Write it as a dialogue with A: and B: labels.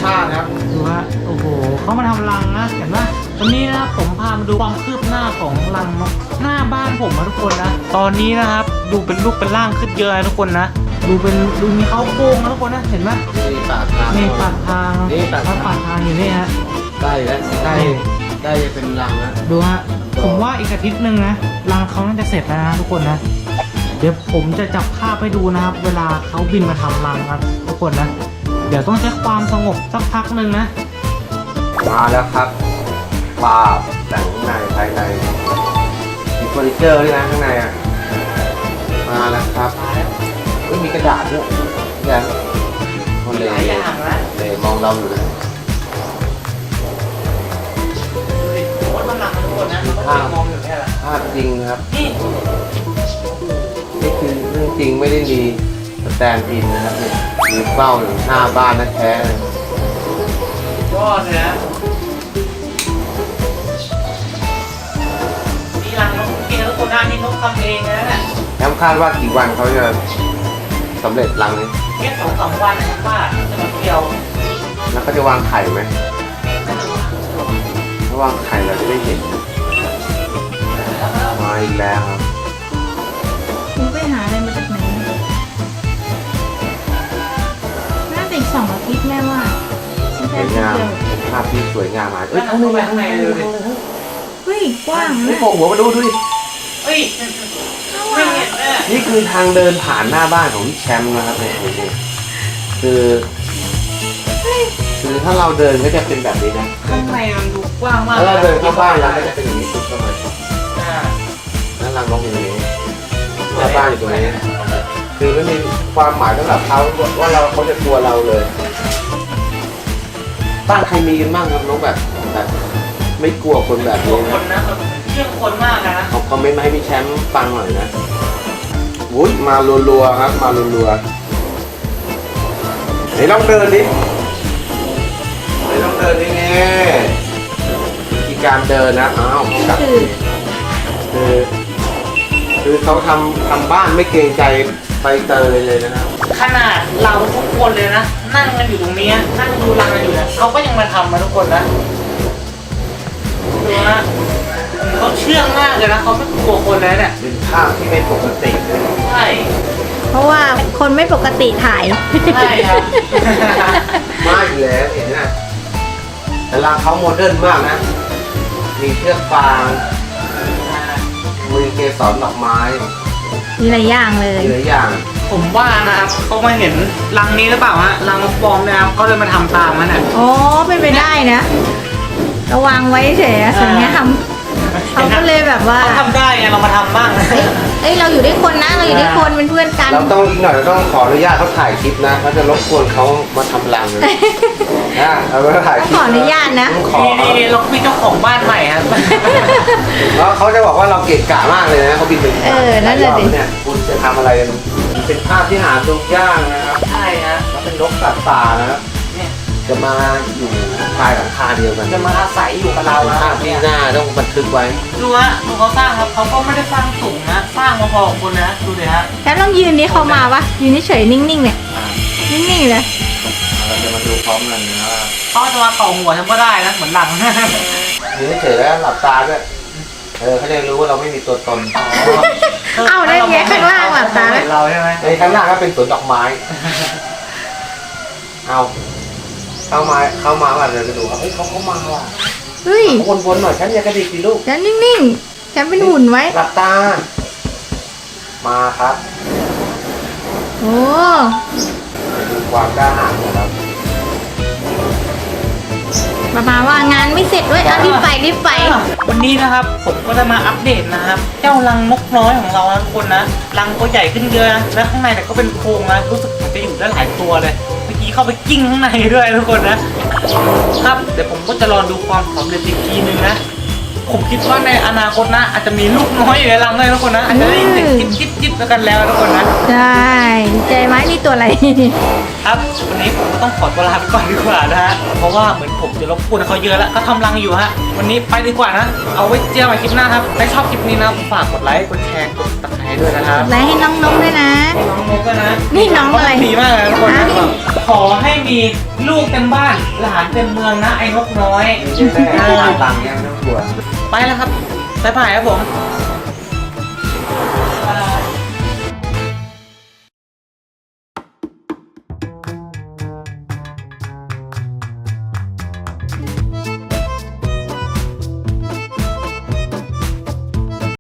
A: ชาติครับ
B: ดูฮะโอ้โหเขามาทำรังนะเห็นไหมวันนี้นะครับผมพามาดูความคืบหน้าของรังนกหน้าบ้านผมนะทุกคนนะตอนนี้นะครับดูเป็นรูปเป็นร่างขึ้นเยอะนะทุกคนนะดูมีเขาโครงนะทุกคนนะเห็นไหม
A: นี่ปากทาง
B: นี่ปากทาง
A: นี่ปาก
B: ทางอยู่นี่ฮะ
A: ได้แล้วได้เป็นรังแล้ว
B: ดูฮะผมว่าอีกอาทิตย์หนึ่งนะรังเขาน่าจะเสร็จแล้วนะทุกคนนะเดี๋ยวผมจะจับภาพให้ดูนะครับเวลาเขาบินมาทำรังครับทุกคนนะเดี๋ยวต้องใช้ความสงบสักพักหนึ่งนะ
A: มาแล้วครับปาบแต่งข้างในภายในมีเฟอร์นิเจอร์ด้วยนะข้างในอ่ะมาแล้วครับมีกระดาษด้วยอย่างคนเลยมองเราอยู่นะภาพจริงครับนี่คือเรื่องจริงไม่ได้มีสแตนด์อินนะครับเนี่ยมีเป้าอยู่หน้าบ้านนั่นแท้
B: ยอดเลยนะนี่รังนกกินแล้วคนหน้านี่นกทำเองนะเนี่ย
A: คาดว่ากี่วันเขาจะสำเร็จรังนี้
B: แค่2-3 วันนะครับว่าจะมาเกี่ยว
A: แล้วก็จะวางไข่ไหมถ้าวางไข่เราจะได้เห็นมาอีกแล้วครับ
C: คุณไปหาอะไรมาจากไหนน่าจะอีก2 อาทิตย์แม่ว่า
A: สวยงามภาพที่สวยงามมากเข้าในข้างในเลย
C: เฮ้ยกว้าง
A: นี่โผล่หัวมาดูดิ
B: เฮ้ย
A: นี่คือทางเดินผ่านหน้าบ้านของพี่แชมป์นะครับเนี่ยคือถ้าเราเดินก็จะเป็นแบบนี้นะ
B: ข้างในมันดูกว้างมาก
A: ถ้าเราเดินเข้าบ้านเราก็จะเป็นอย่างนี้สุดเข้ามานั่นรังนกอยู่ตรงนี้หน้าบ้านอยู่ตรงนี้คือไม่มีความหมายสำหรับเขาว่าเขาจะกลัวเราเลยบ้านใครมีกันบ้างครับนกแบบไม่กลัวคนแบบนี้
B: นะเชื่องคนมากนะ
A: เขาคอมเมนต์มาให้พี่แชมป์ฟังหน่อยนะวุ้ยมารัวๆครับมารัวๆเฮ้ยลองเดินดินี่วิธีการเดินนะกับคือเขาทำบ้านไม่เกรงใจใบเตยเลยนะครับ
B: ขนาดเราทุกคนเลยนะนั่งกันอยู่ตรงนี้นั่งดูรังกันอยู่นะเขาก็ยังมาทำมาทุกคนนะดูนะเขาเชื่องมากเลยนะเขาไม่กลัวคนเลยเนี่ย
A: เป็นภาพที่ไม่ปกติเลย
B: ใช่
C: เพราะว่าคนไม่ปกติถ่าย
B: ใช่ครับ
A: มาอยู่แล้วเห็นไหมแต่รังเขาโมเดิร์นมากนะมีเชือกฟางมีเกสรดอกไม้
C: มีหลายอย่างเลย
A: มีหลายอย่าง
B: ผมว่านะครับเขามาเห็นรังนี้หรือเปล่าฮะรังนกปลอมนะครับเขาเลยมาทำตามมันอ่ะ
C: อ๋อเป็นไปได้นะระวังไว้เฉยๆส่วนนี้เขาก็เลยแบบว่า
B: เขาทำได้ไงเรามาทำบ้าง
C: เอ้ยเราอยู่ด้วยคนนะเราอยู่ด้วยคนเป็นเพื่อนกัน
A: เราต้องอีกหน่อยเราต้องขออนุญาตเขาถ่ายคลิปนะเขาจะรบกวนเขามาทำรังเลยเราก็ถ่ายคลิป
C: ขออนุญาตนะ
B: นี่เราคุยเจ้าของบ้านใหม่ครับ
A: แล้วเขาจะบอกว่าเราเกะกะมากเลยนะเขาบินไป
C: นั่นแหละดิ
A: เนี่ยคุณจะทำอะไรกันเป็นภาพที่หาดูยากนะครับ
B: ใช่ฮะ
A: แล้วเป็นนกสัตว์ป่านะครับจะมาอยู่ภายหลังคาเดียวกัน
B: จะมาอาศัยอยู่กับเรา
A: ภาพที่หน้าต้องบันทึกไว้
B: ดูฮะดูเขาสร้างครับเขาก็ไม่ได้สร้างสูงนะสร้างมาพอของคนนะดูเลยฮะ
C: แล้วต้องยืนนี้เขามาปะยืนเฉยนิ่งๆเนี่ยนิ่งๆเลย
A: เราจะมาดูพร้อมกันนะว่า
B: เขาจะมาต่อหัวฉันก็ได้นะเหมือนหลัง
A: ยืนเฉยแล้วหลับตาด้วยเขาจะรู้ว่าเราไม่มีตัวตน
C: เอาได้ไงข้างล่างหลับตา
B: เราใช่ไหม
A: ในข้างล่างก็เป็นสวนดอกไม้เอาเข้ามาว่าเดี๋ยวจะดูเขาเข้ามาว่ะ
C: เฮ้ย
A: วนๆหน่อยฉันอย่ากระดิกดิลูก
C: ฉันนิ่งๆฉันเป็นหุ่นไว้
A: หลับตามาครับ
C: โอ้
A: ดูความกล้าหาญนะครับ
C: มาว่างานไม่เสร็จด้วยรีบไป
B: วันนี้นะครับผมก็จะมาอัปเดตนะครับเจ้ารังนกน้อยของเราทุกคนนะรังก็ใหญ่ขึ้นเยอะนะและข้างในเนี่ยก็เป็นโพรงนะรู้สึกมันจะอยู่ได้หลายตัวเลยเมื่อกี้เข้าไปกิ้งข้างในด้วยทุกคนนะครับเดี๋ยวผมก็จะรอดูความสำเร็จอีกทีนึงนะผมคิดว่าในอนาคตนะอาจจะมีลูกน้อยอยู่ในรังเลยทุกคนนะอาจจะได้ยินเสียงจิ๊บแล้วกันแล้วทุกคนนะ
C: ใช่ใจไหมนี่ตัวอะไร
B: ครับวันนี้ผมก็ต้องขอตัวลาไปก่อนดีกว่านะฮะเพราะว่าเหมือนผมจะรบกวนเขาเยอะแล้วก็ทำรังอยู่ฮะวันนี้ไปดีกว่านะเอาไว้เจอกันใหม่คลิปหน้าครับถ้าชอบคลิปนี้นะฝากกดไลค์กดแชร์กดติดตามด้วยนะครับ
C: ไลค์ให้น้องๆด้วยนะ
B: น้องๆด้วยนะ
C: นี่น้องอะไร
B: ดีมากเลยทุกคนขอให้มีลูกเต็มบ้านหลานเต็มเมืองนะไอ้นกน้อย
A: มีเยอะแน่ๆตังค์เนี่ยไม่ต้องกลัว
B: ไปแล้วครับบ๊ายบายครับผม
A: บ